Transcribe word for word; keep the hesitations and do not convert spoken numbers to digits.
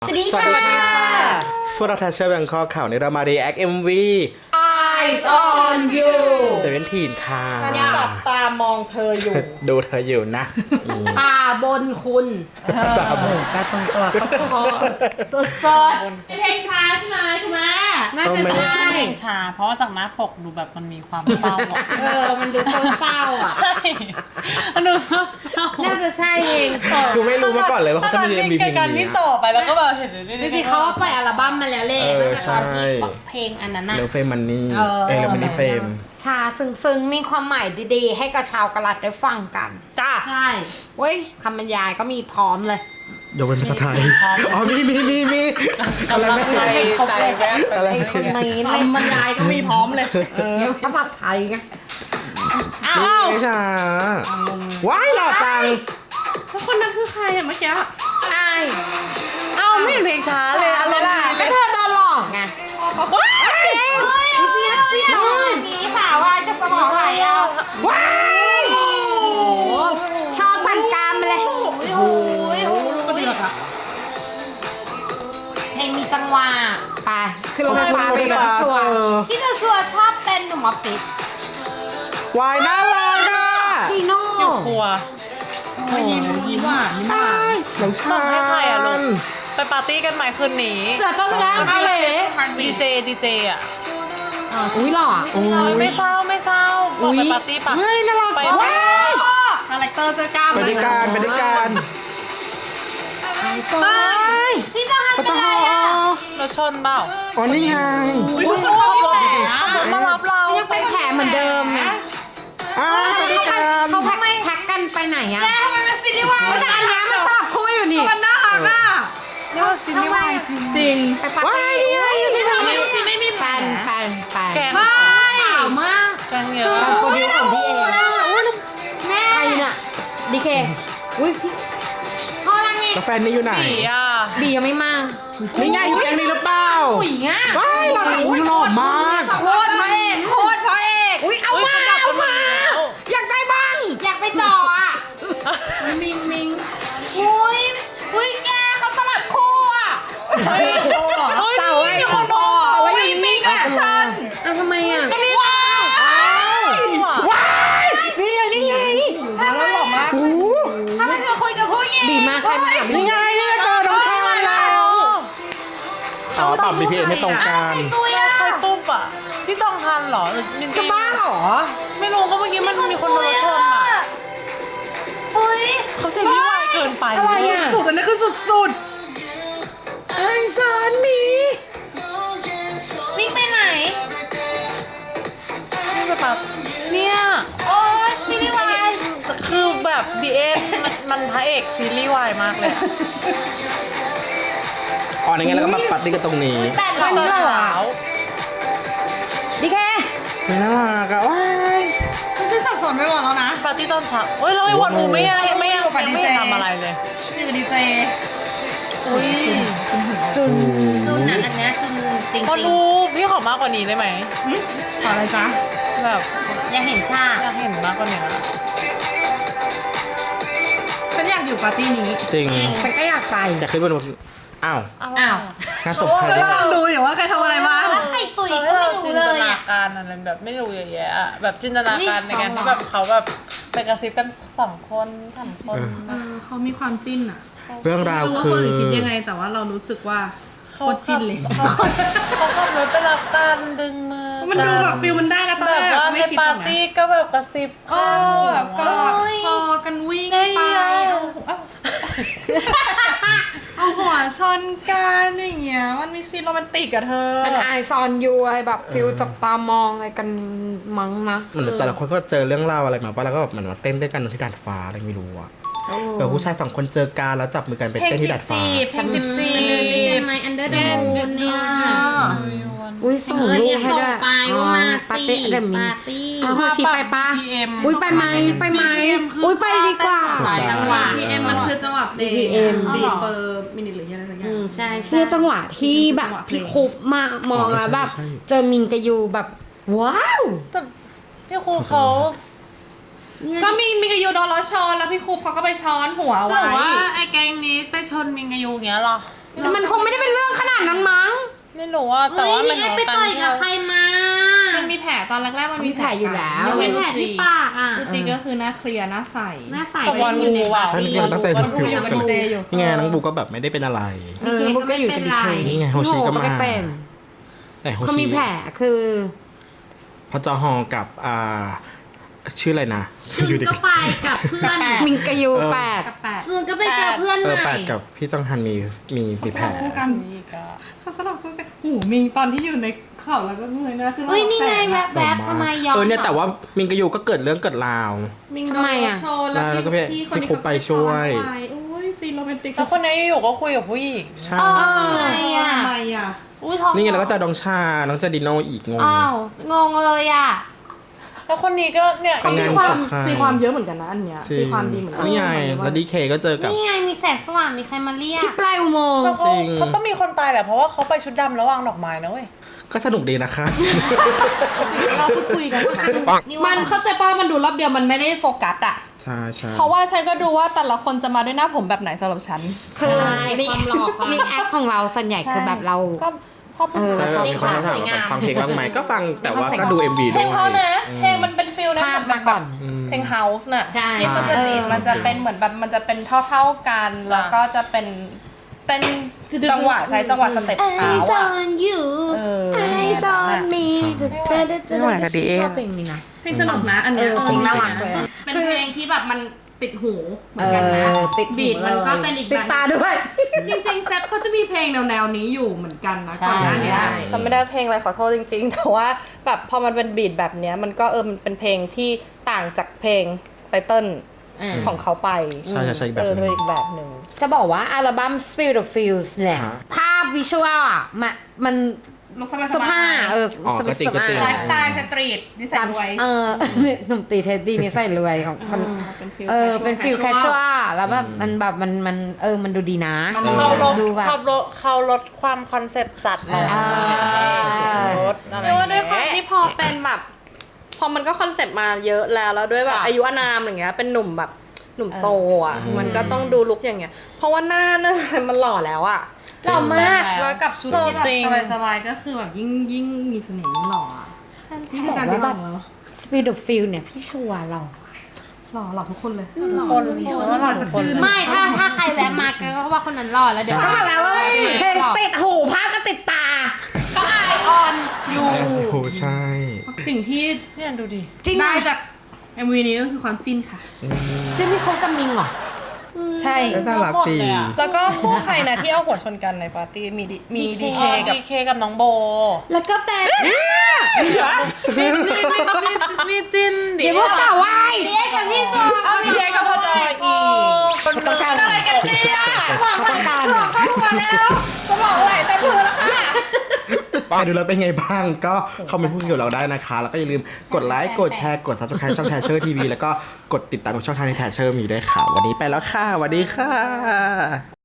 สวัสดีค่ะพวกเราทัชเชอร์แบงคอกข่าวในเรามา react เอ็ม วี Eyes on you เซเว่นทีนค่ะฉันจับตามองเธออยู่ดูเธออยู่นะตาบนคุณตาบนตาตรงตัวก็คอสดสดเป็นเพลงช้าใช่ไหมคุณแม่น่าจะใช่เพลงช้าเพราะว่าจากหน้าปกดูแบบมันมีความเศร้าอะเออมันดูเศร้าๆอ่ะใช่มันดูเศร้าน่าจะใช่เพลงคือไม่รู้มาก่อนเลยว่าเขาจะมี เอ็ม วี เพลงการนี้ที่จบไปแล้วก็แบบเห็นจริงๆเขาปล่อยอัลบั้มมาแล้วแหละเออตั้งแต่ตอนที่ใช่เพลงอันนั้นน่ะเรื่องเฟรมมันนี่เออเออเรื่องมันนี่เฟรมชาซึ้งๆ มีความหมายดีๆ ให้กับชาวกะลัดได้ฟังกันจ้าใช่เว้ยคำบรรยายก็มีพร้อมเลยยกเป็นภาษาไทย อ๋อ มีมีมีมีอะไรไม่ใจได้ใจแวบอะไรไอ้ไม่คนได้นี้คำบรรยายก็มีพร้อมเลยเออภาษาไทยไงอ้าวไม่ใช่ว้ายหล่อจังแล้วคนนั้นคือใครอะเมื่อกี้ไอ้อ้าวไม่เห็นเพลงช้าเลยอะไรล่ะก็เธอโดนหลอกไงว้ายเฮ้ยเฮ้ยเฮ้ยอย่างนี้สาววายจะสมองไหลอ่ะว้ายโอ้โหชอสั่นกรามไปเลยโอ้ยโอ้ยเพลงมีจังหวะไปคือรถไฟฟ้าไปกับชัวร์ที่เธอชัวร์ชอบเป็นหนุ่มออฟฟิศวายน่ารักอ่ะพี่โน่อยู่ครัวมายิ้มยิ้มหวานยิ้มหวานน้องบชาอกให้ใครอะลูกญไปปาร์ตี้กันใหม่คืนนี้เสือต้นแรกเอาเลยดีเจดีเจอะอุ้ยหล่อไม่เศร้าไม่เศร้าบอกไปปาร์ตี้ปะเฮ้ยน่ารักไปว้ายคาแรคเตอร์เสื้อกล้ามไปด้วยกันไปด้วยกันสวยที่จะหันเขาไปจะไหนห่ออ่ะรถชนเปล่าอ๋อนี่ไงอุ้ยทุกคนขับรถขับรถมารับเรายังเป็นแผลเหมือนเดิมไงอ้าวไปด้วยกันเขาแพ็คแพ็คกันไปไหนอะแกทำไมมันซีรีส์วายแต่อันเนี้ยมันสลับคู่อยู่นี่มันน่ารักอ่ะยอดซีรีส์วายจริงไปปาร์ตี้ที่ทำไม่จริงไม่มีแฟนแฟนแฟนแกงไม่ขาวมากแกงเยอะแฟนโปรดิวของพี่เองแม่ใครน่ะดีเคอุ้ยพี่พอลังไงแล้วแฟนนี่อยู่ไหนสีอ่ะบียังไม่มานี่ไงอยู่แก๊งนี้หรือเปล่าผู้หญิงอ่ะว้ายหล่อจังอุ้ยหล่อมากโคตรพระเอกโคตรพระเอกอุ้ยเอามาเอามาอยากได้บ้างอยากไปจ่ออ่ะมิงมิงอุ้ยอุ้ยแกเขาสลับคู่อ่ะเฮ้ยเสาไอ้คนโดนเอาไว้อยู่นิ่งๆอ่ะฉันอ่ะทำไมอ่ะว้าวว้ายนี่ไงนี่ไงแล้วหล่อมากถ้ามันจะคุยกับผู้หญิงบีมาใครมาหาบีนี่ไงนี่ไงเจอน้องชายแล้วอ๋อปรับ บี พี เอ็ม ไม่ตรงกันตุยอ่ะใครปุ๊บอ่ะพี่จองทันเหรอหรือมินจะบ้าเหรอไม่รู้ก็เมื่อกี้มันมีคนโดนรถชนอ่ะอุ้ยเขาซีรีส์วายเกินไปอะไรอ่ะสุดอันนั้นคือสุดสุดไอ้สารมีวิ่งไปไหนนี่แบบเนี่ยโอ้ยซีรีส์วายคือแบบดีเอ็นมันมันพระเอกซีรีส์วายมากเลยอ๋อในไงแล้วก็มาปัดนี่กันตรงนี้แปดตร้ออน ยเช้าดีเคไม่น่ารักอะว้ายไม่ใช่สับสนไปหมดแล้วนะปาร์ตี้ตอนเช้าเฮ้ยแล้วไอ้วันอูไม่ยังไม่ยังไม่ยังทำอะไรเลยนี่เป็นดีเจอุ้ยจุนจุนนะอันเนี้ยจุนจริงวันอูพี่ขอมากกว่านี้ได้ไหมขออะไรจ๊ะแบบๆยังเห็นชาอยากเห็นมากกว่านี้ฉันอยากอยู่ปาร์ตี้นี้จริงฉันก็อยากไปอยากขึ้นบนอ้าวอ้าวงานศพใครได้บ้างดูอยู่ว่าใครทำอะไรมาแล้วใครตุยก็ไม่รู้จินเลตยนาอ่ะการอะไรแบบไม่รู้เยอะแยะอะแบบจินตนาการในการอุ๊ยที่แบบเขาแบบไปกระซิบกันสองคนสามคนเออเขามีความจิ้นอะเรื่องราวไม่รู้ว่าคืคนออื่นคิดยังไง แต่ว่าเรารู้สึกว่าโคตรจิ้นเลยเขาเขาขับรถไปรับกันดึงมือมันดูแบบฟิลมันได้นะตอนแบแรบกว่าไม่ในคิดปาหรอกร์นะตี้ก็แบบกระซิบโอ้กันแบบกอดคอกันวิ่งไปเอาเอาเอาหัวชนกันอย่างเงี้ยมันมีซีนโรแมนติกอะเธอมันไอซอนยูอะไรแบบฟิลจับตามองอะไรกันมั้งนะเหมือนแต่ละคนก็เจอเรื่องราวอะไรมาป่ะแล้วก็แบบเหมือนมาเต้นด้วยกันที่ดาดฟ้าอะไรไม่รู้อะเกิดผู้ชายสองคนเจอกันแล้วจับมือกันไปเพลงเต้นจีที่บดาดฟ้าจีบเพลงจีบจีมันเดินด้วยกันบไหมอันเดอร์เดอะมูนเนี่ยอุ้ยส่งเออรูเนี่ปยให้ส่งด้วยไปว่ามาปาร์สิตี้เดมินปาร์ตี้อ้าวชีไปปะพีเอ็มอุ้ยไปไหมไปไหมอุ้ยไปดีกว่าหลายจังหวะพีเอ็มมันคือจังหวะเดย์พีเอ็มดีเปอร์มินิหรืออะไรสักอย่าอืงมใช่ใช่เนี่ยจังหวะที่แบบพี่คุปมามองแล้วแบบเจอมินกับยูแบบว้าวแต่พี่ครูเขาก็มีมีกายูโดนล้อชนแล้วพี่ครูเขาก็ไปช้อนหัวหไว้รือว่าไอ้แก๊งนี้ไปชนมิงกายูอย่างเงี้ยเหรอแต่มันคงไม่ได้เป็นเรื่องขนาดนั้นมั้งไม่รู้ว่าแต่เฮ้ยว่ามันี่นแอปไปต่อยกับใครมามันมีแผลตอนแรกๆมันมีแผลอยู่แล้วยังเป็นแผลที่ปากอ่ะจริงๆก็คือหน้าเคลียร์หน้าใสหน้าใสตะวันงูอ่ะใช่จริงๆตั้งใจดูอยู่อยู่กับดีเจอยู่นี่ไงน้องบูก็แบบไม่ได้เป็นอะไรเออบุกก็อยู่กับดีเคนี่ไงโฮชิก็มาไม่เป็นแต่โฮเขาชิมีแผลคือพอจอฮอกับอ่าชื่ออะไรนะจุนก็ไปกับเพื่อนมิงกะยูแปดกับแปดจุนก็ไปเจอเพื่อนเอใหอแปม่ดกับพี่จองฮันมีมีมีแผลคู่กันเขาสลับคู่กันหูมิงตอนที่อยู่ในเข่าแล้วก็เงยหน้าขึ้นมาเฮ้ยนี่ไงแสแวบแบบทำไมยอมเออเนี่ยแต่ว่ามิงกะยูก็เกิดเรื่องเกิดราวมิงทำไมอะโดนโชว์แล้วแล้วก็พี่พี่คนนี้พี่ครูไปช่วยเขาไปโอ้ยซีนโรแมนติกแล้วคนนี้อยู่ๆก็คุยกับผู้หญิงใช่เอออะไรอ่ะทำไมอ่ะอุ้ยท้องนี่ไงแล้วก็เจอดองชา น้องเจอดิโนอีกงงอ้าวงงเลยอ่ะแล้วคนนี้ก็เนี่ยเป็นไงมีความสุดท้ายตีความเยอะเหมือนกันนะอันเนี้ยจริตีงความดีเหมือนกันี่ไงแล้วดีเคก็เจอกับนี่ไงมีแสงสว่างมีใครมาเรียกที่ปลายอุโมงค์แล้วเขาจริงเขาต้องมีคนตายแหละเพราะว่าเขาไปชุดดำแล้ววางดอกไม้นะเว้ยก็สนุกดีนะคะเราพูดคุยกันนี่มันเข้าใจป่ะมันดูรอบเดียวมันไม่ได้โฟกัสอ่ะใช่ใช่เพราะว่าฉันก็ดูว่าแต่ละคนจะมาด้วยหน้าผมแบบไหนสำหรับฉันคือมีความหล่อความนี่แอคของเราส่วนใหญ่คือแบบเราก็ชอบเออใช่ชอบมีคนถามว่าแบบฟังเพลงบ้างไหมก็ฟังแต่ว่าก็ดู เอ็ม วีเพด้ลวยงเขานะเพลงมันเป็นฟิลนะภาพมาก่อนอืมเพลงเฮาส์น่ะใช่ที่มันจะบีทเออมันจะเป็นเหมือนแบบมันจะเป็นเท่าๆกัน แล้วก็จะเป็นเต้นจังหวะใช้จังหวะสเต็ปเท้า Eyes อ่ะ on you เออ Eyes on me ไม่ไหวกับดีเอชอบเพลงนี้นะเพลงสนุกนะอันเนี้ยเออเพลงน่ารักเลยเป็นเพลงที่แบบมันติดหูเหมืเออนกันนะอติดหูบีทมันก็เลยเป็นอีกติดแบบตาด้วยจริงๆแซฟเขาจะมีเพลงแนวๆนี้อยู่เหมือนกันนะใช่ก่อนหน้านี้ใช่จำไม่ได้เพลงอะไรขอโทษจริง ๆ แต่ว่าแบบพอมันเป็นบีทแบบเนี้ยมันก็เออมันเป็นเพลงที่ต่างจากเพลงไตเติ้ลของเขาไปใช่ใช่ใช่อีกแบบเออหนึ่งเป็นอีกแบบหนึ่งจะบอกว่าอัลบั้ม Spirit of Feels เนี่ยฮะภาพวิชวลอ่ะมันมันลุกสบายเสื้อผ้าเอออ๋อก็จริงก็จริงไลฟ์สไตล์สตรีทนิสัยตามรวยเออ หนุ่มตีเท็ดดี้นี่ใส่รวยของคนเป็นฟิลเออเป็นฟิลแคชชวลแล้วแบบมันแบบมันมันเออมันดูดีนะเขาลดดูแบบเขาลดเขาลดความคอนเซปต์จัดลงอ่าลดอะไรเรียกว่าด้วยความที่พอเป็นแบบ พอมันก็คอนเซ็ปต์มาเยอะแล้วแล้วด้วยแบบอายุอานามอย่างเงี้ยเป็นหนุ่มแบบหนุ่มโตอ่ะมันก็ต้องดูลุคอย่างเงี้ย เพราะว่าหน้าเนี่ยมันหล่อแล้วอ่ะหล่อมากแล้วกับชุดที่แบบสบายๆก็คือแบบยิ่งยิ่งมีเสน่ห์ยิ่งหล่ออ่ะฉันที่บอกการว่าที่แบแบบ บ Spirit of Feel เนี่ยพี่ชัวร์เราหล่อหล่อทุกคนเลยคนว่าหล่อทุกคนไม่ถ้าถ้าใครแวะมาก็ว่าคนนั้นหล่อแล้วเดี๋ยวก็มาแล้วว่าเพลงติดหูภาพก็ติดตาก็ไอออนอยู่โอ้โหใช่สิ่งที่เนี่ยดูดิจริงได้นะจาก เอ็ม วี นี้ก็คือความจิ้นค่ะจะมีโคบกับมิงเหรอใช่เอ้ยน่ารักดีแล้วก็คู่ใครนะที่เอาหัวชนกันในปาร์ตี้มีดิมีดีเคเคกับดีเคกับน้องโบแล้วก็เป็นมีมีมีมีจินดิเดี๋ยวพวกสาววายเรียกกับพี่ตัวเอาดีเคกับพ่อจอยอีกคนต้องการอะไรกันเนี่ยหวังว่าจะตัวเข้ามาแล้วสมองไหลเต็มพื้นแล้วค่ะไปดูแล้วเป็นไงบ้าง ก็คอมเมนต์พูดคุยกับเราได้นะคะ แล้วก็อย่าลืมกดไลค์ กดแชร์ กด ซับสไครบ์ ช่องแทชเชอร์ทีวีแล้วก็กดติดตามช่องทางในแทชเชอร์มีด้วยค่ะ วันนี้ไปแล้วค่ะสวัสดีค่ะ